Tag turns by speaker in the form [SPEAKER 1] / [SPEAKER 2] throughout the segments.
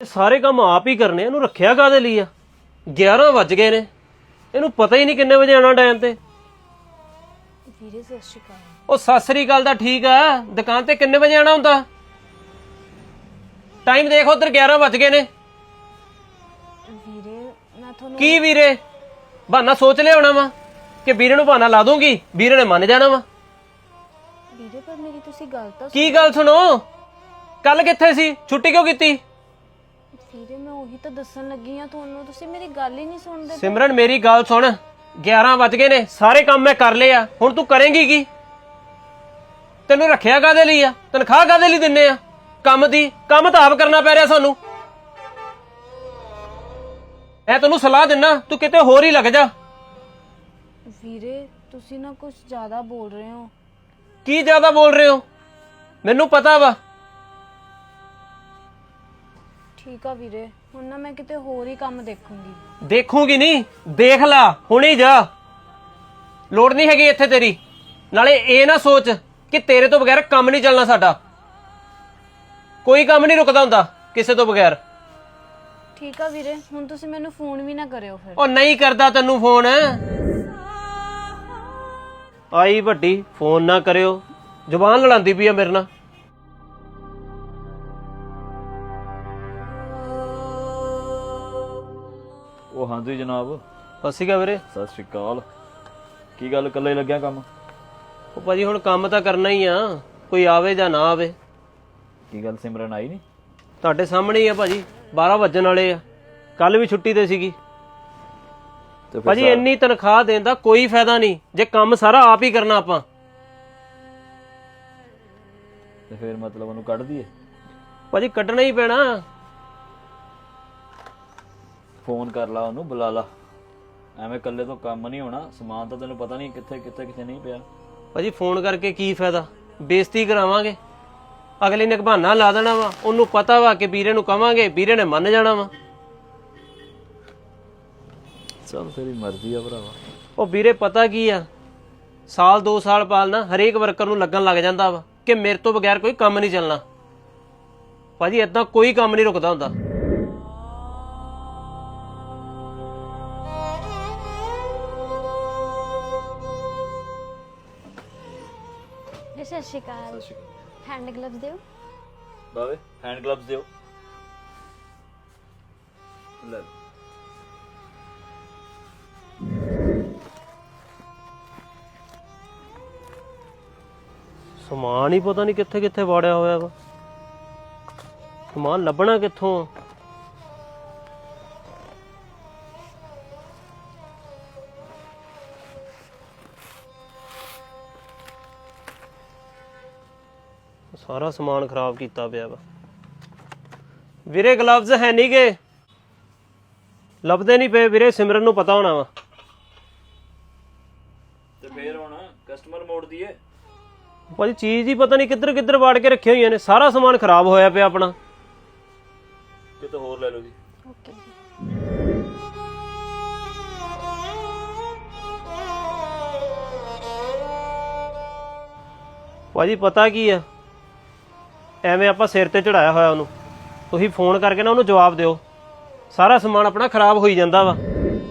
[SPEAKER 1] ਸਾਰੇ ਕੰਮ ਆਪ ਹੀ ਕਰਨੇ, ਇਹਨੂੰ ਰੱਖਿਆ ਕਾਹਦੇ ਲਈ ਆ? 11 ਵੱਜ ਗਏ ਨੇ, ਇਹਨੂੰ ਪਤਾ ਹੀ ਨਹੀਂ ਕਿੰਨੇ ਵਜੇ ਆਉਣਾ ਟਾਈਮ ਤੇ।
[SPEAKER 2] ਵੀਰੇ ਸਤਿ ਸ਼੍ਰੀ ਅਕਾਲ।
[SPEAKER 1] ਉਹ ਸਤਿ ਸ੍ਰੀ ਅਕਾਲ ਦਾ ਠੀਕ ਆ, ਦੁਕਾਨ ਤੇ ਕਿੰਨੇ ਵਜੇ ਆਉਣਾ ਹੁੰਦਾ? ਟਾਈਮ ਦੇਖ ਉਧਰ, 11 ਵੱਜ ਗਏ ਨੇ।
[SPEAKER 2] ਵੀਰੇ ਮੈਂ ਤੁਹਾਨੂੰ
[SPEAKER 1] ਕੀ ਵੀਰੇ? ਬਹਾਨਾ ਸੋਚ ਲਿਆ ਹੋਣਾ ਵਾ ਕਿ ਵੀਰੇ ਨੂੰ ਬਹਾਨਾ ਲਾ ਦੂੰਗੀ, ਵੀਰੇ ਨੇ ਮੰਨ ਜਾਣਾ ਵਾ।
[SPEAKER 2] ਵੀਰੇ ਪਰ ਮੇਰੀ ਤੁਸੀਂ ਗੱਲ ਤਾਂ
[SPEAKER 1] ਕੀ ਗੱਲ ਸੁਣੋ, ਕੱਲ ਕਿੱਥੇ ਸੀ? ਛੁੱਟੀ ਕਿਉਂ ਕੀਤੀ?
[SPEAKER 2] ਵੀਰੇ ਮੈਂ ਉਹੀ ਤਾਂ ਦੱਸਣ ਲੱਗੀ ਆ ਤੁਹਾਨੂੰ, ਤੁਸੀਂ ਮੇਰੀ ਗੱਲ ਹੀ ਨਹੀਂ ਸੁਣਦੇ।
[SPEAKER 1] ਸਿਮਰਨ ਮੇਰੀ ਗੱਲ ਸੁਣ, 11 ਵੱਜ ਗਏ ਨੇ, ਸਾਰੇ ਕੰਮ ਮੈਂ ਕਰ ਲਏ ਆ, ਹੁਣ ਤੂੰ ਕਰੇਂਗੀ ਕੀ? ਤੈਨੂੰ ਰੱਖਿਆ ਕਾਹਦੇ ਲਈ ਆ? ਤਨਖਾਹ ਕਾਹਦੇ ਲਈ ਦਿੰਨੇ ਆ? ਕੰਮ ਦੀ, ਕੰਮ ਤਾਂ ਆਪ ਕਰਨਾ ਪੈ ਰਿਹਾ ਸਾਨੂੰ। ਮੈਂ ਤੈਨੂੰ ਸਲਾਹ ਦਿੰਨਾ, ਤੂੰ ਕਿਤੇ ਹੋਰ ਹੀ ਲੱਗ ਜਾ।
[SPEAKER 2] ਵੀਰੇ ਤੁਸੀਂ ਨਾ ਕੁਝ ਜ਼ਿਆਦਾ ਬੋਲ ਰਹੇ ਹੋ।
[SPEAKER 1] ਕੀ ਜ਼ਿਆਦਾ ਬੋਲ ਰਹੇ ਹੋ? ਮੈਨੂੰ ਪਤਾ ਵਾ।
[SPEAKER 2] ਠੀਕ ਆ ਵੀਰੇ, ਹੁਣ ਨਾ ਮੈਂ ਕਿਤੇ ਹੋਰ ਹੀ ਕੰਮ ਦੇਖੂੰਗੀ।
[SPEAKER 1] ਦੇਖੂਗੀ ਨਹੀਂ, ਦੇਖ ਲਾ, ਹੁਣੇ ਜਾ। ਲੋੜ ਨਹੀਂ ਹੈਗੀ ਇੱਥੇ ਤੇਰੀ। ਨਾਲੇ ਇਹ ਨਾ ਸੋਚ ਕਿ ਤੇਰੇ ਤੋਂ ਬਗੈਰ ਕੰਮ ਨਹੀਂ ਚੱਲਣਾ ਸਾਡਾ। ਕੋਈ ਕੰਮ ਨਹੀਂ ਰੁਕਦਾ ਹੁੰਦਾ ਕਿਸੇ ਤੋਂ ਬਗੈਰ।
[SPEAKER 2] ਠੀਕ ਆ ਵੀਰੇ, ਹੁਣ ਤੁਸੀਂ ਮੈਨੂੰ ਫੋਨ ਵੀ ਨਾ ਕਰਿਓ ਫਿਰ।
[SPEAKER 1] ਉਹ ਨਹੀਂ ਕਰਦਾ ਤੈਨੂੰ ਫੋਨ। ਆਈ ਵੱਡੀ, ਫੋਨ ਨਾ ਕਰਿਓ, ਜ਼ੁਬਾਨ ਲੜਾਉਂਦੀ ਪਈ ਆ ਮੇਰੇ ਨਾਲ।
[SPEAKER 3] ਉਹ ਹਾਂਜੀ ਜਨਾਬ।
[SPEAKER 1] ਸਤਿ ਸ਼੍ਰੀ ਅਕਾਲ ਵੀਰੇ।
[SPEAKER 3] ਸਤਿ ਸ਼੍ਰੀ ਅਕਾਲ। ਕੀ ਗੱਲ ਇਕੱਲੇ ਲੱਗਿਆ ਕੰਮ?
[SPEAKER 1] ਉਹ ਭਾਜੀ ਹੁਣ ਕੰਮ ਤਾਂ ਕਰਨਾ ਹੀ ਆ, ਕੋਈ ਆਵੇ ਜਾਂ ਨਾ ਆਵੇ।
[SPEAKER 3] ਕੀ ਗੱਲ ਸਿਮਰਨ ਆਈ ਨਹੀਂ?
[SPEAKER 1] ਤੁਹਾਡੇ ਸਾਹਮਣੇ ਹੀ ਆ ਭਾਜੀ, 12 ਵੱਜਣ ਵਾਲੇ ਆ। ਕੱਲ ਵੀ ਛੁੱਟੀ ਤੇ ਸੀਗੀ।
[SPEAKER 3] ਤੇ ਫਿਰ
[SPEAKER 1] ਭਾਜੀ ਇੰਨੀ ਤਨਖਾਹ ਦੇਣ ਦਾ ਕੋਈ ਫਾਇਦਾ ਨਹੀਂ ਜੇ ਕੰਮ ਸਾਰਾ ਆਪ ਹੀ ਕਰਨਾ ਆਪਾਂ।
[SPEAKER 3] ਤੇ ਫਿਰ ਮਤਲਬ ਉਹਨੂੰ ਕੱਢ ਦਈਏ?
[SPEAKER 1] ਭਾਜੀ ਕੱਢਣਾ ਹੀ ਪੈਣਾ।
[SPEAKER 3] ਫੋਨ ਕਰ ਲਾ ਉਹਨੂੰ, ਬੁਲਾ ਲਾ। ਐਵੇਂ ਇਕੱਲੇ ਤੋਂ ਕੰਮ ਨਹੀਂ ਹੋਣਾ। ਸਮਾਨ ਤਾਂ ਤੈਨੂੰ ਪਤਾ ਨਹੀਂ ਕਿੱਥੇ ਨਹੀਂ ਪਿਆ।
[SPEAKER 1] ਭਾਜੀ ਫੋਨ ਕਰਕੇ ਕੀ ਫਾਇਦਾ? ਬੇਇੱਜ਼ਤੀ ਕਰਾਵਾਂਗੇ। ਅਗਲੇ ਨੇ ਬਹਾਨਾ ਲਾ ਦੇਣਾ ਵਾ, ਉਹਨੂੰ ਪਤਾ ਵਾ ਕਿ ਵੀਰੇ ਨੂੰ ਕਵਾਂਗੇ, ਵੀਰੇ ਨੇ ਮੰਨ ਜਾਣਾ ਵਾ।
[SPEAKER 3] ਚਲ ਤੇਰੀ ਮਰਜ਼ੀ ਆ ਭਰਾਵਾ।
[SPEAKER 1] ਉਹ ਵੀਰੇ ਪਤਾ ਕੀ ਆ, ਸਾਲ 2 ਸਾਲ ਪਾਲਣਾ ਹਰੇਕ ਵਰਕਰ ਨੂੰ ਲੱਗਣ ਲੱਗ ਜਾਂਦਾ ਵਾ ਕਿ ਮੇਰੇ ਤੋਂ ਬਗੈਰ ਕੋਈ ਕੰਮ ਨਹੀਂ ਚੱਲਣਾ। ਭਾਜੀ ਏਦਾਂ ਕੋਈ ਕੰਮ ਨਹੀਂ ਰੁਕਦਾ ਹੁੰਦਾ।
[SPEAKER 2] ਸਤਿ ਸ਼੍ਰੀ ਅਕਾਲ। ਹੈਂਡ ਗਲਵਸ ਦਿਓ।
[SPEAKER 3] ਬਾਵੇ ਹੈਂਡ ਗਲਵਸ ਦਿਓ। ਲੈ
[SPEAKER 1] ਸਮਾਨ ਹੀ ਪਤਾ ਨਹੀਂ ਕਿੱਥੇ ਕਿੱਥੇ ਵਾੜਿਆ ਹੋਇਆ ਵਾ। ਸਮਾਨ ਲੱਭਣਾ ਕਿੱਥੋਂ? ਸਾਰਾ ਸਮਾਨ ਖਰਾਬ ਕੀਤਾ ਪਿਆ ਵਾ। ਵੀਰੇ ਗਲਵਜ਼ ਹੈ ਨਹੀਂ ਗੇ, ਲੱਭਦੇ ਨਹੀਂ ਪਏ ਵੀਰੇ। ਸਿਮਰਨ ਨੂੰ ਪਤਾ ਹੋਣਾ ਵਾ।
[SPEAKER 3] ਤੇ ਫੇਰ ਹੁਣ ਕਸਟਮਰ ਮੋੜ ਦਈਏ?
[SPEAKER 1] ਭਾਜੀ ਚੀਜ਼ ਹੀ ਪਤਾ ਨਹੀਂ ਕਿੱਧਰ ਕਿੱਧਰ ਵਾੜ ਕੇ ਰੱਖੀਆਂ ਹੋਈਆਂ ਨੇ। ਸਾਰਾ ਸਮਾਨ ਖਰਾਬ ਹੋਇਆ ਪਿਆ ਆਪਣਾ।
[SPEAKER 3] ਕਿਤੇ ਹੋਰ ਲੈ ਲਓ ਜੀ।
[SPEAKER 2] ਓਕੇ ਜੀ।
[SPEAKER 1] ਭਾਜੀ ਪਤਾ ਕੀ ਆ, ਐਵੇਂ ਆਪਾਂ ਸਿਰ ਤੇ ਚੜਾਇਆ ਹੋਇਆ ਉਹਨੂੰ। ਤੁਸੀਂ ਫੋਨ ਕਰਕੇ ਨਾ ਉਹਨੂੰ ਜਵਾਬ ਦਿਓ। ਸਾਰਾ ਸਮਾਨ ਆਪਣਾ ਖਰਾਬ ਹੋਈ ਜਾਂਦਾ ਵਾ।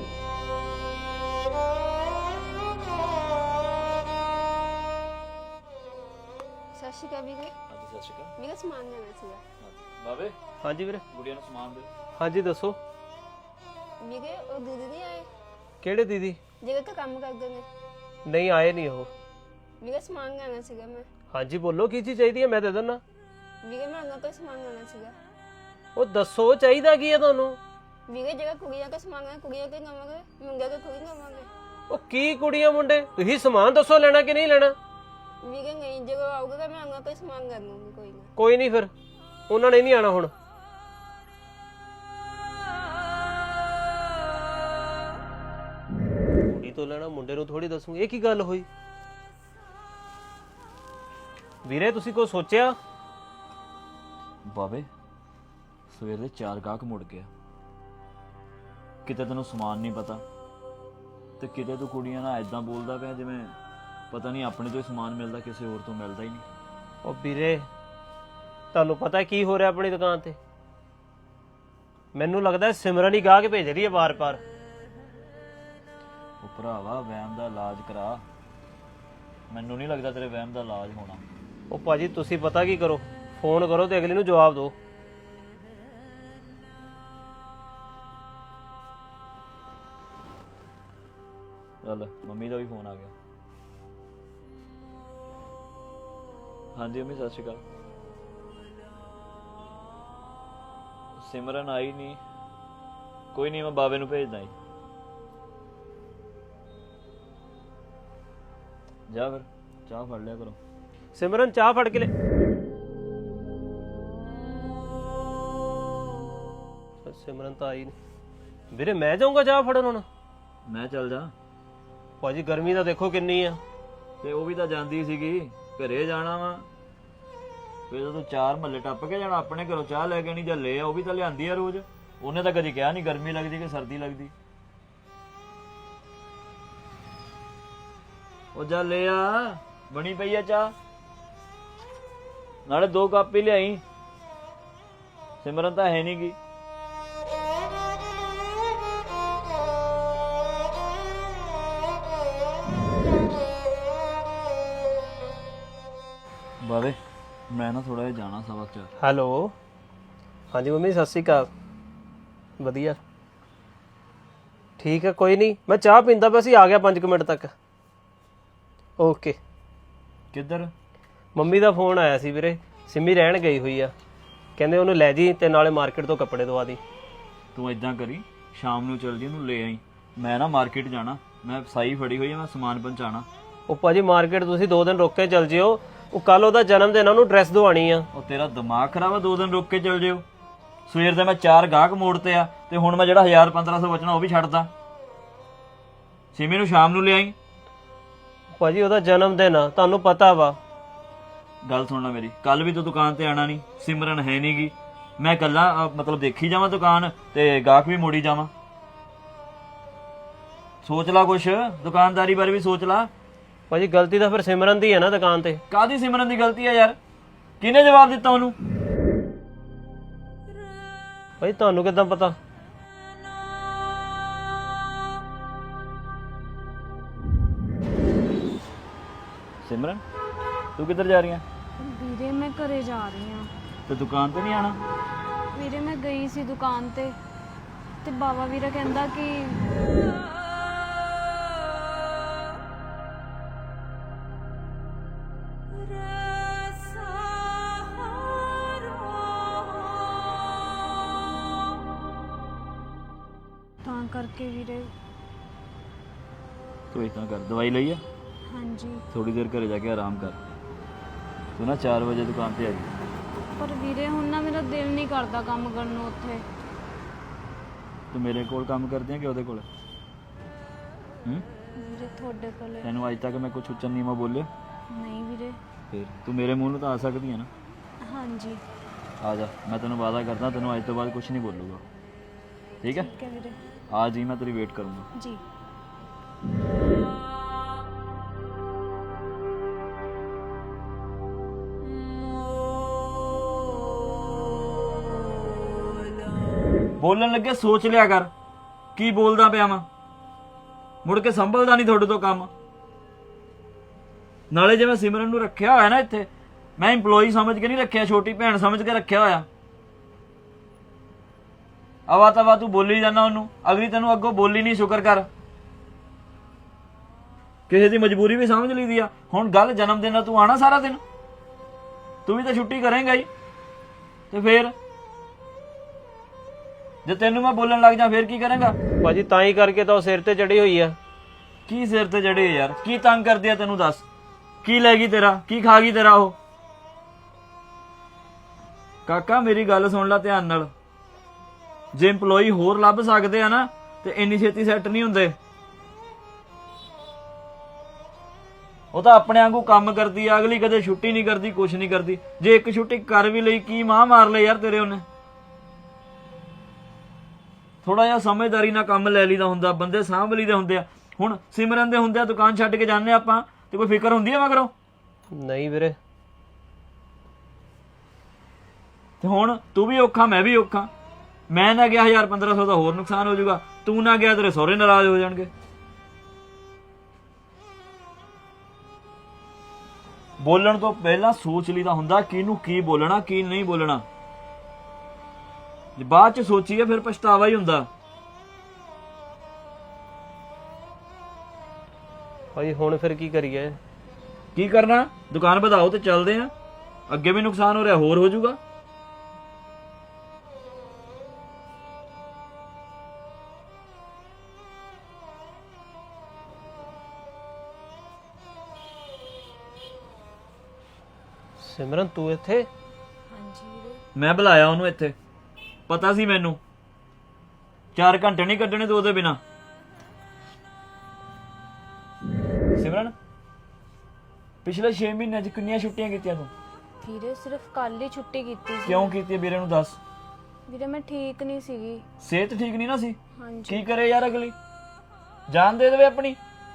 [SPEAKER 2] ਸਤਿ ਸ਼੍ਰੀ ਅਕਾਲ ਵੀਰੇ।
[SPEAKER 3] ਹਾਂਜੀ ਸਤਿ ਸ਼੍ਰੀ ਅਕਾਲ।
[SPEAKER 2] ਵੀਰੇ ਸਮਾਨ ਲੈਣਾ ਸੀਗਾ।
[SPEAKER 3] ਬਾਵੇ
[SPEAKER 1] ਹਾਂਜੀ ਵੀਰੇ।
[SPEAKER 3] ਗੁੜੀਆਂ ਨੂੰ ਸਮਾਨ ਦੇ।
[SPEAKER 1] ਹਾਂਜੀ ਦੱਸੋ।
[SPEAKER 2] ਵੀਰੇ ਉਹ ਦੀਦੀ ਨਹੀਂ ਆਏ
[SPEAKER 1] ਕਿਹੜੇ ਦੀਦੀ?
[SPEAKER 2] ਜਿਹੜੇ ਤਾਂ ਕੰਮ ਕਰਦੇ ਨੇ।
[SPEAKER 1] ਨਹੀਂ ਆਏ ਨਹੀਂ ਉਹ।
[SPEAKER 2] ਵੀਰੇ ਸਮਾਨ ਲੈਣਾ ਸੀਗਾ ਮੈਂ।
[SPEAKER 1] ਹਾਂਜੀ ਬੋਲੋ, ਕੀ ਚੀਜ਼ ਚਾਹੀਦੀ ਹੈ, ਮੈਂ ਦੇ ਦਿੰਦਾ।
[SPEAKER 2] ਵੀਰੇ ਮੈਂ ਉਹਨਾਂ ਤੋਂ ਸਮਾਨ ਲੈਣਾ ਸੀਗਾ।
[SPEAKER 1] ਉਹ ਦੱਸੋ ਚਾਹੀਦਾ ਕੀ ਹੈ ਤੁਹਾਨੂੰ?
[SPEAKER 2] ਵੀਰੇ ਜਿਹੜਾ ਕੁੜੀਆਂ ਦਾ ਸਮਾਨ ਹੈ ਕੁੜੀਆਂ ਕੇ ਲਵਾਂਗੇ, ਮੁੰਡਿਆਂ ਦਾ ਥੋੜੀ ਲਵਾਂਗੇ।
[SPEAKER 1] ਉਹ ਕੀ ਕੁੜੀਆਂ ਮੁੰਡੇ, ਤੁਸੀਂ ਸਮਾਨ ਦੱਸੋ ਲੈਣਾ ਕਿ ਨਹੀਂ ਲੈਣਾ।
[SPEAKER 2] ਵੀਰੇ ਨਹੀਂ, ਜਦੋਂ ਆਊਗਾ ਤਾਂ ਮੈਂ ਉਹਨਾਂ ਤੋਂ ਸਮਾਨ ਲੈ ਲੂੰਗੀ। ਕੋਈ ਨਾ।
[SPEAKER 1] ਕੋਈ ਨਹੀਂ, ਫਿਰ ਉਹਨਾਂ ਨੇ ਨਹੀਂ ਆਣਾ ਹੁਣ। ਕੁੜੀ ਤੋਂ ਲੈਣਾ, ਮੁੰਡੇ ਨੂੰ ਥੋੜੀ ਦੱਸੂਗੀ। ਇਹ ਕੀ ਗੱਲ ਹੋਈ ਵੀਰੇ? ਤੁਸੀਂ ਕੋਈ ਸੋਚਿਆ?
[SPEAKER 3] ਬਾਵੇ ਸਵੇਰ ਦੇ 4 ਗਾਹਕ ਮੁੜ ਗਿਆ। ਕਿਤੇ ਤੈਨੂੰ ਸਮਾਨ ਨਹੀਂ ਪਤਾ ਤੇ ਕਿਤੇ ਤੂੰ ਕੁੜੀਆਂ ਨਾਲ ਐਦਾਂ ਬੋਲਦਾ ਪਿਆ ਜਿਵੇਂ ਪਤਾ ਨਹੀਂ ਆਪਣੇ ਤੋਂ ਹੀ ਸਮਾਨ ਮਿਲਦਾ, ਕਿਸੇ ਹੋਰ ਤੋਂ ਮਿਲਦਾ ਹੀ ਨਹੀਂ।
[SPEAKER 1] ਉਹ ਵੀਰੇ ਤੁਹਾਨੂੰ ਪਤਾ ਕੀ ਹੋ ਰਿਹਾ ਆਪਣੀ ਦੁਕਾਨ ਤੇ? ਮੈਨੂੰ ਲੱਗਦਾ ਸਿਮਰਨ ਹੀ ਗਾਹ ਕੇ ਭੇਜ ਰਹੀ ਹੈ ਵਾਰ-ਵਾਰ।
[SPEAKER 3] ਉਹ ਭਰਾਵਾ ਵਹਿਮ ਦਾ ਇਲਾਜ ਕਰਾ। ਮੈਨੂੰ ਨਹੀਂ ਲੱਗਦਾ ਤੇਰੇ ਵਹਿਮ ਦਾ ਇਲਾਜ ਹੋਣਾ।
[SPEAKER 1] ਉਹ ਭਾਜੀ ਤੁਸੀਂ ਪਤਾ ਕੀ ਕਰੋ, ਫੋਨ ਕਰੋ ਤੇ ਅਗਲੇ ਨੂੰ ਜਵਾਬ ਦਿਓ।
[SPEAKER 3] ਚੱਲ ਮੰਮੀ ਦਾ ਵੀ ਫੋਨ ਆ ਗਿਆ। ਹਾਂਜੀ ਮੰਮੀ, ਸਤਿ ਸ਼੍ਰੀ ਅਕਾਲ। ਸਿਮਰਨ ਆਈ ਨਹੀਂ। ਕੋਈ ਨਹੀਂ, ਮੈਂ ਬਾਵੇ ਨੂੰ ਭੇਜਦਾ ਜੀ। ਜਾ ਫਿਰ ਚਾਹ ਫੜ ਲਿਆ ਕਰੋ।
[SPEAKER 1] ਸਿਮਰਨ ਚਾਹ ਫੜ ਕੇ ਲੈ। ਸਿਮਰਨ ਤਾਂ ਆਈ ਨਹੀਂ ਵੀਰੇ, ਮੈਂ ਜਾਊਂਗਾ ਚਾਹ ਫੜਨ ਹੁਣ।
[SPEAKER 3] ਮੈਂ ਚੱਲ ਜਾ।
[SPEAKER 1] ਭਾਜੀ ਗਰਮੀ ਤਾਂ ਦੇਖੋ ਕਿੰਨੀ ਆ।
[SPEAKER 3] ਤੇ ਉਹ ਵੀ ਤਾਂ ਜਾਂਦੀ ਸੀਗੀ, ਘਰੇ ਜਾਣਾ ਵਾ। ਫਿਰ ਤੂੰ 4 ਮਹੱਲੇ ਟੱਪ ਕੇ ਜਾਣਾ, ਆਪਣੇ ਘਰੋਂ ਚਾਹ ਲੈ ਕੇ ਨਹੀਂ ਜਾਂ ਲੈ ਆ। ਉਹ ਵੀ ਤਾਂ ਲਿਆਂਦੀ ਆ ਰੋਜ਼। ਉਹਨੇ ਤਾਂ ਕਦੀ ਕਿਹਾ ਨਹੀਂ ਗਰਮੀ ਲੱਗਦੀ ਕਿ ਸਰਦੀ ਲੱਗਦੀ। ਉਹ ਜਾ ਲੈ ਆ, ਬਣੀ ਪਈ ਆ ਚਾਹ। ਨਾਲੇ 2 ਕੱਪ ਹੀ ਲਿਆਈ। ਸਿਮਰਨ ਤਾਂ ਹੈ ਨੀ ਗੀ। ਬਾਵੇ ਮੈਂ ਨਾ ਥੋੜਾ ਜਿਹਾ ਜਾਣਾ ਸਬਕ ਚ।
[SPEAKER 1] ਹੈਲੋ, ਹਾਂਜੀ ਮੰਮੀ ਸਤਿ ਸ਼੍ਰੀ ਅਕਾਲ। ਵਧੀਆ ਠੀਕ ਹੈ, ਕੋਈ ਨਹੀਂ ਮੈਂ ਚਾਹ ਪੀਂਦਾ ਪਿਆ ਸੀ, ਆ ਗਿਆ 5 ਮਿੰਟ ਤੱਕ। ਓਕੇ।
[SPEAKER 3] ਕਿੱਧਰ?
[SPEAKER 1] ਮੰਮੀ ਦਾ ਫੋਨ ਆਇਆ ਸੀ ਵੀਰੇ, ਸਿੰਮੀ ਰਹਿਣ ਗਈ ਹੋਈ ਆ, ਕਹਿੰਦੇ ਉਹਨੂੰ ਲੈ ਜੀ ਤੇ ਨਾਲੇ ਮਾਰਕੀਟ ਤੋਂ ਕੱਪੜੇ ਦਵਾ ਦੀ।
[SPEAKER 3] ਤੂੰ ਏਦਾਂ ਕਰੀ, ਸ਼ਾਮ ਨੂੰ ਚੱਲ ਜੀ, ਉਹਨੂੰ ਲੈ ਆਈ। ਮੈਂ ਨਾ ਮਾਰਕੀਟ ਜਾਣਾ, ਮੈਂ ਸਾਈ ਫੜੀ ਹੋਈ ਆ, ਮੈਂ ਸਮਾਨ ਪਹੁੰਚਾਣਾ।
[SPEAKER 1] ਉਹ ਭਾਜੀ ਮਾਰਕੀਟ ਤੁਸੀਂ 2 ਦਿਨ ਰੁਕ ਕੇ ਚੱਲ ਜਿਓ, ਉਹ ਕੱਲ ਉਹਦਾ ਜਨਮ ਦਿਨ ਆ, ਉਹਨੂੰ ਡਰੈਸ ਦਵਾਣੀ ਆ।
[SPEAKER 3] ਉਹ ਤੇਰਾ ਦਿਮਾਗ ਖਰਾਬ ਆ, 2 ਦਿਨ ਰੁਕ ਕੇ ਚੱਲ ਜਿਓ। ਸਵੇਰ ਦੇ ਮੈਂ 4 ਗਾਹਕ ਮੋੜਤੇ ਆ, ਤੇ ਹੁਣ ਮੈਂ ਜਿਹੜਾ 1000-1500 ਬਚਣਾ ਉਹ ਵੀ ਛੱਡਦਾ। ਸਿਮੀ ਨੂੰ ਸ਼ਾਮ ਨੂੰ ਲਿਆਈ।
[SPEAKER 1] ਭਾਜੀ ਉਹਦਾ ਜਨਮ ਦਿਨ ਆ, ਤੁਹਾਨੂੰ ਪਤਾ ਵਾ।
[SPEAKER 3] ਗੱਲ ਸੁਣਨਾ ਮੇਰੀ, ਕੱਲ ਵੀ ਤੂੰ ਦੁਕਾਨ ਤੇ ਆਣਾ ਨਹੀਂ, ਸਿਮਰਨ ਹੈ ਨੀ ਗੀ। ਮੈਂ ਕੱਲਾ ਮਤਲਬ ਦੇਖੀ ਜਾਵਾਂ ਦੁਕਾਨ ਤੇ ਗਾਹਕ ਵੀ ਮੋੜੀ ਜਾਵਾਂ? ਸੋਚ ਲਾ ਕੁਛ, ਦੁਕਾਨਦਾਰੀ ਬਾਰੇ ਵੀ ਸੋਚ ਲਾ।
[SPEAKER 1] ਭਾਜੀ ਗਲਤੀ ਤਾਂ ਫਿਰ ਸਿਮਰਨ ਦੀ ਹੈ ਨਾ ਦੁਕਾਨ ਤੇ।
[SPEAKER 3] ਕਾਹਦੀ ਸਿਮਰਨ ਦੀ ਗਲਤੀ ਆ ਯਾਰ? ਕਿਹਨੇ ਜਵਾਬ ਦਿੱਤਾ ਉਹਨੂੰ?
[SPEAKER 1] ਭਾਜੀ ਤੁਹਾਨੂੰ ਕਿੱਦਾਂ ਪਤਾ?
[SPEAKER 3] ਸਿਮਰਨ ਤੂੰ ਕਿੱਧਰ ਜਾ ਰਹੀ ਆ?
[SPEAKER 2] ਵੀਰੇ ਮੈਂ ਘਰੇ ਜਾ ਰਹੀ ਹਾਂ।
[SPEAKER 3] ਤੇ ਦੁਕਾਨ ਤੇ ਨਹੀਂ ਆਣਾ?
[SPEAKER 2] ਵੀਰੇ ਮੈਂ ਗਈ ਸੀ ਦੁਕਾਨ ਤੇ ਬਾਬਾ ਵੀਰਾ ਕਹਿੰਦਾ ਕਿ ਤਾਂ ਕਰਕੇ ਵੀਰੇ।
[SPEAKER 3] ਤੂੰ ਇਦਾਂ ਕਰ, ਦਵਾਈ ਲਈ ਆ?
[SPEAKER 2] ਹਾਂਜੀ
[SPEAKER 3] ਥੋੜੀ ਦੇਰ ਘਰੇ ਜਾ ਕੇ ਆਰਾਮ ਕਰ। ਤੂੰ ਨਾ 4 ਵਜੇ ਦੁਕਾਨ ਤੇ ਆ ਜੀ।
[SPEAKER 2] ਪਰ ਵੀਰੇ ਹੁਣ ਨਾ ਮੇਰਾ ਦਿਲ ਨਹੀਂ ਕਰਦਾ ਕੰਮ ਕਰਨ ਨੂੰ ਉੱਥੇ।
[SPEAKER 3] ਤੂੰ ਮੇਰੇ ਕੋਲ ਕੰਮ ਕਰਦੀ ਆ ਕਿ ਉਹਦੇ ਕੋਲ?
[SPEAKER 2] ਵੀਰੇ ਤੁਹਾਡੇ ਕੋਲੇ।
[SPEAKER 3] ਤੈਨੂੰ ਅੱਜ ਤੱਕ ਮੈਂ ਕੁਛ ਉੱਚਾ ਨੀਵਾਂ ਬੋਲਿਆ?
[SPEAKER 2] ਨਹੀਂ ਵੀਰੇ।
[SPEAKER 3] ਫਿਰ ਤੂੰ ਮੇਰੇ ਮੂੰਹ ਨੂੰ ਤਾਂ ਆ ਸਕਦੀ ਹੈ ਨਾ।
[SPEAKER 2] ਹਾਂਜੀ
[SPEAKER 3] ਆ ਜਾ, ਮੈਂ ਤੈਨੂੰ ਵਾਅਦਾ ਕਰਦਾ, ਤੈਨੂੰ ਅੱਜ ਤੋਂ ਬਾਅਦ ਕੁਛ ਨਹੀਂ ਬੋਲੂਗਾ। ਠੀਕ ਹੈ?
[SPEAKER 2] ਠੀਕ ਹੈ ਵੀਰੇ।
[SPEAKER 3] ਆ ਜੀ, ਮੈਂ ਤੇਰੀ ਵੇਟ ਕਰੂੰਗਾ।
[SPEAKER 2] ਜੀ।
[SPEAKER 3] ਬੋਲਣ ਲੱਗੇ ਸੋਚ ਲਿਆ ਕਰ, ਕੀ ਬੋਲਦਾ ਪਿਆ ਵਾਂ। ਮੁੜ ਕੇ ਸੰਭਲਦਾ ਨਹੀਂ ਤੁਹਾਡੇ ਤੋਂ ਕੰਮ। ਨਾਲੇ ਜੇ ਮੈਂ ਸਿਮਰਨ ਨੂੰ ਰੱਖਿਆ ਹੋਇਆ ਨਾ ਇੱਥੇ, ਮੈਂ EMPLOYEE ਸਮਝ ਕੇ ਨਹੀਂ ਰੱਖਿਆ, ਛੋਟੀ ਭੈਣ ਸਮਝ ਕੇ ਰੱਖਿਆ ਹੋਇਆ। ਆਵਾ ਤਵਾ ਤੂੰ ਬੋਲੀ ਜਾਂਦਾ ਉਹਨੂੰ, ਅਗਲੀ ਤੈਨੂੰ ਅੱਗੋਂ ਬੋਲੀ ਨਹੀਂ, ਸ਼ੁਕਰ ਕਰ। ਕਿਸੇ ਦੀ ਮਜਬੂਰੀ ਵੀ ਸਮਝ ਲਈਦੀ ਆ। ਹੁਣ ਗੱਲ ਜਨਮ ਦਿਨ ਦਾ, ਤੂੰ ਆਣਾ ਸਾਰਾ ਦਿਨ, ਤੂੰ ਵੀ ਤਾਂ ਛੁੱਟੀ ਕਰੇਂਗਾ ਹੀ। ਤੇ ਫੇਰ ਜੇ ਤੈਨੂੰ ਮੈਂ ਬੋਲਣ ਲੱਗ ਜਾ ਫੇਰ ਕੀ ਕਰੇਂਗਾ?
[SPEAKER 1] ਭਾਜੀ ਤਾਂ ਹੀ ਕਰਕੇ ਤਾਂ ਉਹ ਸਿਰ ਤੇ ਚੜੀ ਹੋਈ ਆ।
[SPEAKER 3] ਕੀ ਸਿਰ ਤੇ ਚੜੇ ਯਾਰ? ਕੀ ਤੰਗ ਕਰਦੀ ਆ ਤੈਨੂੰ? ਦੱਸ, ਕੀ ਲੈ ਗਈ ਤੇਰਾ? ਕੀ ਖਾ ਗਈ ਤੇਰਾ ਉਹ? ਕਾਕਾ ਮੇਰੀ ਗੱਲ ਸੁਣ ਲੈ ਧਿਆਨ ਨਾਲ। ਜੇ EMPLOYEE ਹੋਰ ਲੱਭ ਸਕਦੇ ਆ ਨਾ, ਤੇ ਇੰਨੀ ਛੇਤੀ ਸੈੱਟ ਨਹੀਂ ਹੁੰਦੇ। ਉਹ ਤਾਂ ਆਪਣੇ ਵਾਂਗੂ ਕੰਮ ਕਰਦੀ ਆ, ਅਗਲੀ ਕਦੇ ਛੁੱਟੀ ਨਹੀਂ ਕਰਦੀ, ਕੁਛ ਨਹੀਂ ਕਰਦੀ। ਜੇ ਇੱਕ ਛੁੱਟੀ ਕਰ ਵੀ ਲਈ, ਕੀ ਮਾਂ ਮਾਰ ਲੈ ਯਾਰ ਤੇਰੇ ਉਹਨੇ। ਥੋੜਾ ਜਿਹਾ ਸਮਝਦਾਰੀ ਨਾਲ ਕੰਮ ਲੈ ਲਈਦਾ ਹੁੰਦਾ, ਬੰਦੇ ਸਾਂਭ ਲਈਦੇ ਹੁੰਦੇ ਆ। ਹੁਣ ਸਿਮਰਨ ਦੇ ਹੁੰਦੇ ਆ, ਦੁਕਾਨ ਛੱਡ ਕੇ ਜਾਂਦੇ ਆਪਾਂ, ਤੇ ਕੋਈ ਫਿਕਰ ਹੁੰਦੀ ਆ ਮਗਰੋਂ?
[SPEAKER 1] ਨਹੀਂ ਵੀਰੇ।
[SPEAKER 3] ਤੇ ਹੁਣ ਤੂੰ ਵੀ ਔਖਾ, ਮੈਂ ਵੀ ਔਖਾ। ਮੈਂ ਨਾ ਗਿਆ 1000-1500 ਦਾ ਹੋਰ ਨੁਕਸਾਨ ਹੋ ਜਾਊਗਾ, ਤੂੰ ਨਾ ਗਿਆ ਤੇਰੇ ਸਹੁਰੇ ਨਾਰਾਜ਼ ਹੋ ਜਾਣਗੇ। ਬੋਲਣ ਤੋਂ ਪਹਿਲਾਂ ਸੋਚ ਲਈਦਾ ਹੁੰਦਾ ਕਿਹਨੂੰ ਕੀ ਬੋਲਣਾ ਕੀ ਨਹੀਂ ਬੋਲਣਾ। ਜੇ ਬਾਅਦ ਚ ਸੋਚੀਏ ਫਿਰ ਪਛਤਾਵਾ ਹੀ ਹੁੰਦਾ।
[SPEAKER 1] ਭਾਜੀ ਹੁਣ ਫਿਰ ਕੀ ਕਰੀਏ?
[SPEAKER 3] ਕੀ ਕਰਨਾ, ਦੁਕਾਨ ਵਧਾਓ ਤੇ ਚੱਲਦੇ ਆ। ਅੱਗੇ ਵੀ ਨੁਕਸਾਨ ਹੋ ਰਿਹਾ, ਹੋਰ ਹੋ ਜਾਊਗਾ।
[SPEAKER 1] ਸਿਮਰਨ ਤੂੰ ਇੱਥੇ?
[SPEAKER 2] ਹਾਂਜੀ ਵੀਰੇ।
[SPEAKER 3] ਮੈਂ ਬੁਲਾਇਆ ਉਹਨੂੰ ਇੱਥੇ, ਪਤਾ ਸੀ ਮੈਨੂੰ 4 ਘੰਟੇ ਨਹੀਂ ਕੱਢਣੇ ਤੂੰ ਉਹਦੇ ਬਿਨਾ। ਸਿਮਰਨ, ਪਿਛਲੇ 6 ਮਹੀਨਿਆਂ 'ਚ ਕਿੰਨੀਆਂ ਛੁੱਟੀਆਂ ਕੀਤੀਆਂ ਤੂੰ?
[SPEAKER 2] ਵੀਰੇ ਸਿਰਫ ਕੱਲ ਹੀ ਛੁੱਟੀ ਕੀਤੀ ਸੀ।
[SPEAKER 3] ਕਿਉਂ ਕੀਤੀ ਵੀਰੇ ਨੂੰ ਦੱਸ।
[SPEAKER 2] ਵੀਰੇ ਮੈਂ ਠੀਕ ਨਹੀਂ ਸੀਗੀ।
[SPEAKER 3] ਸਿਹਤ ਠੀਕ ਨਹੀਂ ਨਾ ਸੀ?
[SPEAKER 2] ਹਾਂਜੀ।
[SPEAKER 3] ਕੀ ਕਰੇ ਯਾਰ, ਅਗਲੀ ਜਾਨ ਦੇ ਦੇਵੇ ਆਪਣੀ।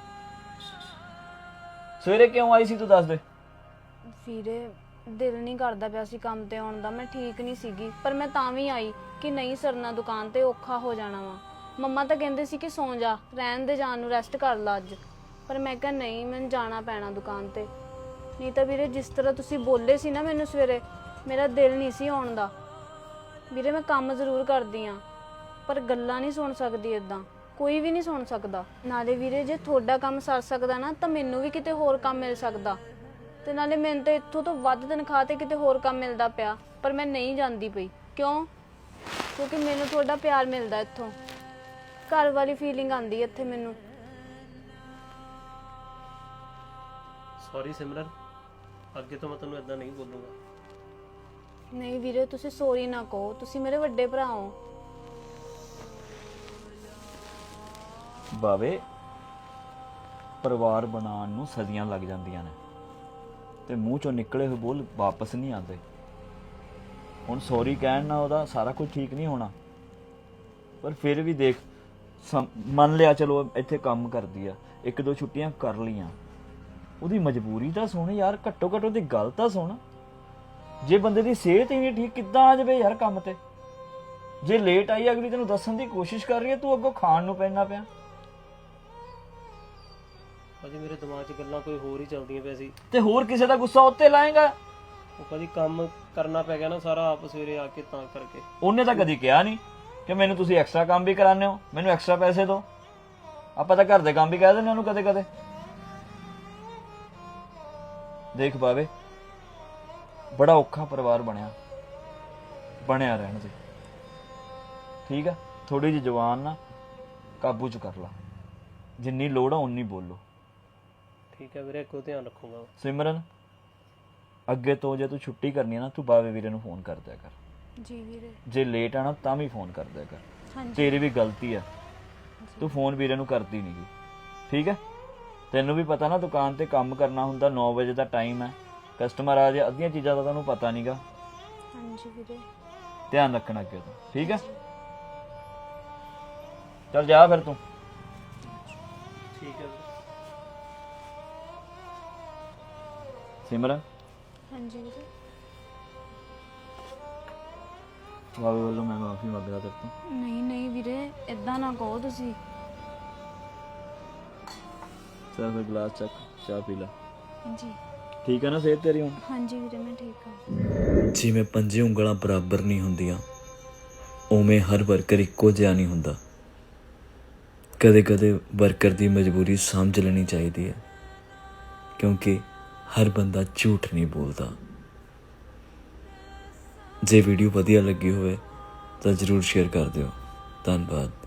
[SPEAKER 3] ਸਵੇਰੇ ਕਿਉਂ ਆਈ ਸੀ ਤੂੰ ਦੱਸ ਦੇ।
[SPEAKER 2] ਵੀਰੇ ਦਿਲ ਨਹੀਂ ਕਰਦਾ ਪਿਆ ਸੀ ਕੰਮ ਤੇ ਆਉਣ ਦਾ, ਮੈਂ ਠੀਕ ਨਹੀਂ ਸੀਗੀ, ਪਰ ਮੈਂ ਤਾਂ ਵੀ ਆਈ ਕਿ ਨਹੀਂ ਸਰਨਾ ਦੁਕਾਨ ਤੇ, ਔਖਾ ਹੋ ਜਾਣਾ ਵਾ। ਮੰਮਾ ਤਾਂ ਕਹਿੰਦੇ ਸੀ ਕਿ ਸੌਂ ਜਾ, ਰਹਿਣ ਦੇ, ਜਾਣ ਨੂੰ, ਰੈਸਟ ਕਰ ਲਾ ਅੱਜ, ਪਰ ਮੈਂ ਕਿਹਾ ਨਹੀਂ, ਮੈਨੂੰ ਜਾਣਾ ਪੈਣਾ ਦੁਕਾਨ ਤੇ। ਨਹੀਂ ਤਾਂ ਵੀਰੇ ਜਿਸ ਤਰ੍ਹਾਂ ਤੁਸੀਂ ਬੋਲੇ ਸੀ ਨਾ ਮੈਨੂੰ ਸਵੇਰੇ, ਮੇਰਾ ਦਿਲ ਨਹੀਂ ਸੀ ਆਉਣ ਦਾ। ਵੀਰੇ ਮੈਂ ਕੰਮ ਜ਼ਰੂਰ ਕਰਦੀ ਆ, ਪਰ ਗੱਲਾਂ ਨਹੀਂ ਸੁਣ ਸਕਦੀ ਇਦਾਂ, ਕੋਈ ਵੀ ਨਹੀਂ ਸੁਣ ਸਕਦਾ। ਨਾਲੇ ਵੀਰੇ ਜੇ ਤੁਹਾਡਾ ਕੰਮ ਸਰ ਸਕਦਾ ਨਾ ਤਾਂ ਮੈਨੂੰ ਵੀ ਕਿਤੇ ਹੋਰ ਕੰਮ ਮਿਲ ਸਕਦਾ, ਤੇ ਨਾਲੇ ਮੈਨੂੰ ਤਾਂ ਇੱਥੋਂ ਤੋਂ ਵੱਧ ਤਨਖਾਹ ਤੇ ਕਿਤੇ ਹੋਰ ਕੰਮ ਮਿਲਦਾ ਪਿਆ, ਪਰ ਮੈਂ ਨਹੀਂ ਜਾਂਦੀ ਪਈ। ਕਿਉਂ? ਕਿਉਂਕਿ ਮੈਨੂੰ ਤੁਹਾਡਾ ਪਿਆਰ ਮਿਲਦਾ ਇੱਥੋਂ, ਘਰ ਵਾਲੀ ਫੀਲਿੰਗ ਆਉਂਦੀ ਇੱਥੇ ਮੈਨੂੰ।
[SPEAKER 1] ਸੌਰੀ ਸਿਮਰਨ, ਅੱਗੇ ਤੋਂ ਮੈਂ ਤੈਨੂੰ ਇਦਾਂ ਨਹੀਂ ਬੋਲੂੰਗਾ।
[SPEAKER 2] ਨਹੀਂ ਵੀਰੇ ਤੁਸੀਂ ਸੌਰੀ ਨਾ ਕਹੋ, ਤੁਸੀਂ ਮੇਰੇ ਵੱਡੇ ਭਰਾ ਹੋ।
[SPEAKER 3] ਬਾਵੇ, ਪਰਿਵਾਰ ਬਣਾਉਣ ਨੂੰ ਸਦੀਆਂ ਲੱਗ ਜਾਂਦੀਆਂ ਨੇ ਤੇ ਮੂੰਹ ਚੋਂ ਨਿਕਲੇ ਹੋਏ ਬੋਲ ਵਾਪਸ ਨਹੀਂ ਆਉਂਦੇ। ਹੁਣ ਸੌਰੀ ਕਹਿਣ ਨਾਲ ਉਹਦਾ ਸਾਰਾ ਕੁਝ ਠੀਕ ਨਹੀਂ ਹੋਣਾ, ਪਰ ਫਿਰ ਵੀ ਦੇਖ, ਮੰਨ ਲਿਆ ਚਲੋ ਇੱਥੇ ਕੰਮ ਕਰਦੀ ਆ, 1-2 ਛੁੱਟੀਆਂ ਕਰ ਲਈਆਂ, ਉਹਦੀ ਮਜਬੂਰੀ ਤਾਂ ਸੁਣ ਯਾਰ, ਘੱਟੋ ਘੱਟ ਉਹਦੀ ਗੱਲ ਤਾਂ ਸੁਣ। ਜੇ ਬੰਦੇ ਦੀ ਸਿਹਤ ਹੀ ਨਹੀਂ ਠੀਕ, ਕਿੱਦਾਂ ਆ ਜਾਵੇ ਯਾਰ ਕੰਮ ਤੇ? ਜੇ ਲੇਟ ਆਈ, ਅਗਲੀ ਤੈਨੂੰ ਦੱਸਣ ਦੀ ਕੋਸ਼ਿਸ਼ ਕਰ ਰਹੀ ਹੈ, ਤੂੰ ਅੱਗੋਂ ਖਾਣ ਨੂੰ ਪੈਣਾ ਪਿਆ।
[SPEAKER 1] ਭਾਜੀ ਮੇਰੇ ਦਿਮਾਗ 'ਚ ਗੱਲਾਂ ਕੋਈ ਹੋਰ ਹੀ ਚੱਲਦੀਆਂ ਪਈਆਂ ਸੀ।
[SPEAKER 3] ਤੇ ਹੋਰ ਕਿਸੇ ਦਾ ਗੁੱਸਾ ਉੱਤੇ ਲਾਏਗਾ?
[SPEAKER 1] ਉਹ ਭਾਜੀ ਕੰਮ ਕਰਨਾ ਪੈ ਗਿਆ ਨਾ ਸਾਰਾ ਆਪ ਸਵੇਰੇ ਆ ਕੇ, ਤਾਂ ਕਰਕੇ।
[SPEAKER 3] ਉਹਨੇ ਤਾਂ ਕਦੀ ਕਿਹਾ ਨਹੀਂ ਕਿ ਮੈਨੂੰ ਤੁਸੀਂ ਐਕਸਟਰਾ ਕੰਮ ਵੀ ਕਰਾਉਂਦੇ ਹੋ, ਮੈਨੂੰ ਐਕਸਟਰਾ ਪੈਸੇ ਦਿਓ। ਆਪਾਂ ਤਾਂ ਘਰ ਦੇ ਕੰਮ ਵੀ ਕਹਿ ਦਿੰਦੇ ਉਹਨੂੰ ਕਦੇ ਕਦੇ। ਦੇਖ ਬਾਵੇ, ਬੜਾ ਔਖਾ ਪਰਿਵਾਰ ਬਣਿਆ ਰਹਿਣ ਦੇ, ਠੀਕ ਆ? ਥੋੜੀ ਜਿਹੀ ਜ਼ੁਬਾਨ ਨਾ ਕਾਬੂ 'ਚ ਕਰ ਲਾ, ਜਿੰਨੀ ਲੋੜ ਆ ਉਨੀ ਬੋਲੋ।
[SPEAKER 1] ਠੀਕ ਹੈ ਵੀਰੇ, ਅੱਗੋਂ ਧਿਆਨ ਰੱਖੂੰਗਾ।
[SPEAKER 3] ਸਿਮਰਨ, ਅੱਗੇ ਤੋਂ ਜੇ ਤੂੰ ਛੁੱਟੀ ਕਰਨੀ ਹੈ ਨਾ, ਤੂੰ ਬਾਵੇ ਵੀਰੇ ਨੂੰ ਫੋਨ ਕਰ ਦਿਆ ਕਰ।
[SPEAKER 2] ਜੀ ਵੀਰੇ।
[SPEAKER 3] ਜੇ ਲੇਟ ਆਣਾ ਤਾਂ ਵੀ ਫੋਨ ਕਰ ਦਿਆ ਕਰ।
[SPEAKER 2] ਹਾਂਜੀ।
[SPEAKER 3] ਤੇਰੀ ਵੀ ਗਲਤੀ ਆ, ਤੂੰ ਫੋਨ ਵੀਰੇ ਨੂੰ ਕਰਦੀ ਨਹੀਂ ਗੀ, ਠੀਕ ਹੈ? ਤੈਨੂੰ ਵੀ ਪਤਾ ਨਾ ਦੁਕਾਨ ਤੇ ਕੰਮ ਕਰਨਾ ਹੁੰਦਾ, 9 ਵਜੇ ਦਾ ਟਾਈਮ ਹੈ, ਕਸਟਮਰ ਆ ਜਾਏ, ਅੱਧੀਆਂ ਚੀਜ਼ਾਂ ਦਾ ਤੁਹਾਨੂੰ ਪਤਾ ਨਹੀਂਗਾ।
[SPEAKER 2] ਹਾਂਜੀ ਵੀਰੇ।
[SPEAKER 3] ਧਿਆਨ ਰੱਖਣਾ ਅੱਗੇ ਤੋਂ, ਠੀਕ ਹੈ? ਚੱਲ ਜਾ ਫਿਰ ਤੂੰ।
[SPEAKER 1] ਠੀਕ ਹੈ ਵੀਰੇ।
[SPEAKER 3] ਸਿਮਰਨ,
[SPEAKER 2] ਹਾਂਜੀ ਵੀਰੇ।
[SPEAKER 3] ਬਾਵੇ ਵੱਲੋਂ ਮੈਂ ਮਾਫੀ ਮੰਗਦਾ ਤੇਰੇ ਤੋਂ।
[SPEAKER 2] ਨਹੀਂ ਨਹੀਂ ਵੀਰੇ, ਇਦਾਂ ਨਾ ਕਹੋ ਤੁਸੀਂ।
[SPEAKER 3] ਚੱਲ ਫਿਰ ਗਲਾਸ ਚੱਕ, ਚਾਹ ਪੀ ਲੈ।
[SPEAKER 2] ਹਾਂਜੀ।
[SPEAKER 3] ਠੀਕ ਹੈ ਨਾ ਸਿਹਤ ਤੇਰੀ ਹੁਣ?
[SPEAKER 2] ਹਾਂਜੀ ਵੀਰੇ ਮੈਂ ਠੀਕ ਹਾਂ।
[SPEAKER 4] ਜਿਵੇਂ 5 ਉਂਗਲਾਂ ਬਰਾਬਰ ਨਹੀਂ ਹੁੰਦੀਆਂ, ਉਵੇਂ ਹਰ ਵਰਕਰ ਇੱਕੋ ਜਿਹਾ ਨਹੀਂ ਹੁੰਦਾ। ਕਦੇ ਕਦੇ ਵਰਕਰ ਦੀ ਮਜਬੂਰੀ ਸਮਝ ਲੈਣੀ ਚਾਹੀਦੀ ਹੈ, ਕਿਉਂਕਿ ਹਰ ਬੰਦਾ ਝੂਠ ਨਹੀਂ ਬੋਲਦਾ। ਜੇ ਵੀਡੀਓ ਵਧੀਆ ਲੱਗੀ ਹੋਵੇ ਤਾਂ ਜ਼ਰੂਰ ਸ਼ੇਅਰ ਕਰ ਦਿਓ। ਧੰਨਵਾਦ।